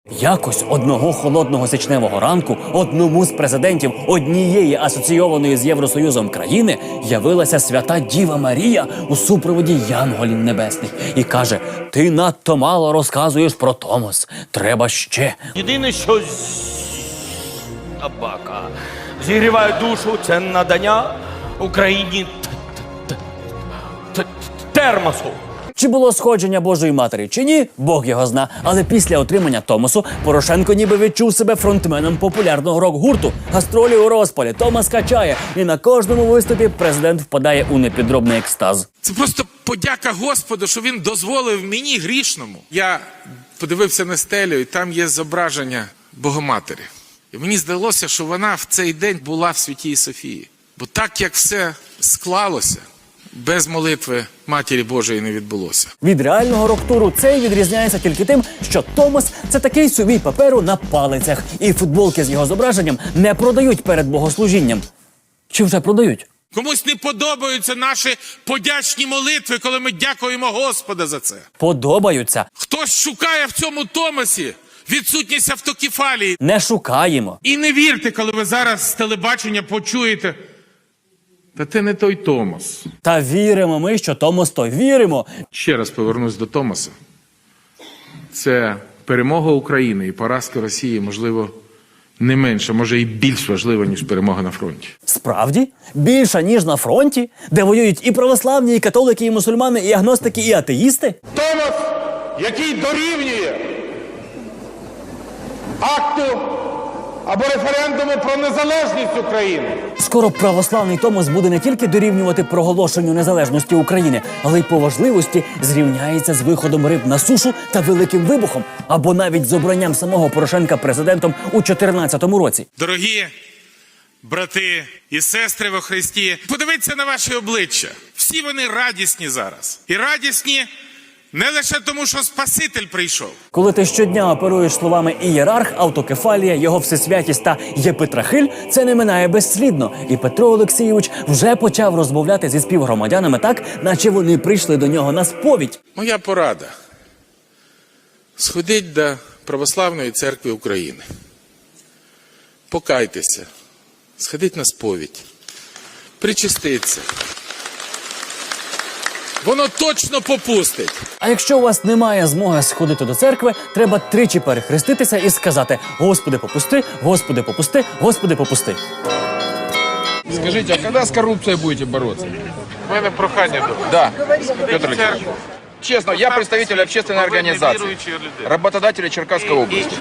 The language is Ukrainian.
Якось одного холодного січневого ранку одному з президентів однієї асоційованої з Євросоюзом країни явилася свята Діва Марія у супроводі янголів небесних і каже: «Ти надто мало розказуєш про Томос, треба ще». Єдине, що собака зігріває душу, це надання Україні термосу. Чи було сходження Божої Матері, чи ні, Бог його зна. Але після отримання Томосу Порошенко ніби відчув себе фронтменом популярного рок-гурту. Гастролі у розпалі, Томос качає. І на кожному виступі президент впадає у непідробний екстаз. Це просто подяка Господу, що він дозволив мені, грішному. Я подивився на стелю, і там є зображення Богоматері. І мені здалося, що вона в цей день була в Святій Софії. Бо так, як все склалося, без молитви Матері Божої не відбулося. Від реального рок-туру цей відрізняється тільки тим, що Томос – це такий сувій паперу на палицях. І футболки з його зображенням не продають перед богослужінням. Чи вже продають? Комусь не подобаються наші подячні молитви, коли ми дякуємо Господа за це. Подобаються. Хтось шукає в цьому Томосі відсутність автокефалії. Не шукаємо. І не вірте, коли ви зараз з телебачення почуєте: та це не той Томос. Та віримо ми, що Томос то віримо. Ще раз повернусь до Томоса. Це перемога України і поразка Росії, можливо, не менше, може і більш важлива, ніж перемога на фронті. Справді? Більша, ніж на фронті? Де воюють і православні, і католики, і мусульмани, і агностики, і атеїсти? Томос, який дорівнює акту або референдуму про незалежність України. Скоро православний Томос буде не тільки дорівнювати проголошенню незалежності України, але й по важливості зрівняється з виходом риб на сушу та Великим вибухом, або навіть з обранням самого Порошенка президентом у 2014 році. Дорогі брати і сестри во Христі, подивіться на ваші обличчя. Всі вони радісні зараз. І радісні не лише тому, що Спаситель прийшов. Коли ти щодня оперуєш словами «ієрарх», «автокефалія», «його всесвятість» та «єпитрахиль», це не минає безслідно. І Петро Олексійович вже почав розмовляти зі співгромадянами так, наче вони прийшли до нього на сповідь. Моя порада – сходіть до Православної церкви України. Покайтеся, сходіть на сповідь, причастіться. Воно точно попустить. А якщо у вас немає змоги сходити до церкви, треба тричі перехреститися і сказати: «Господи, попусти, Господи, попусти, Господи, попусти». Скажите, а когда с коррупцией будете бороться? У мене прохання до Да, Петр Алексеевич. Честно, я представитель общественной организации, работодателей Черкасской области.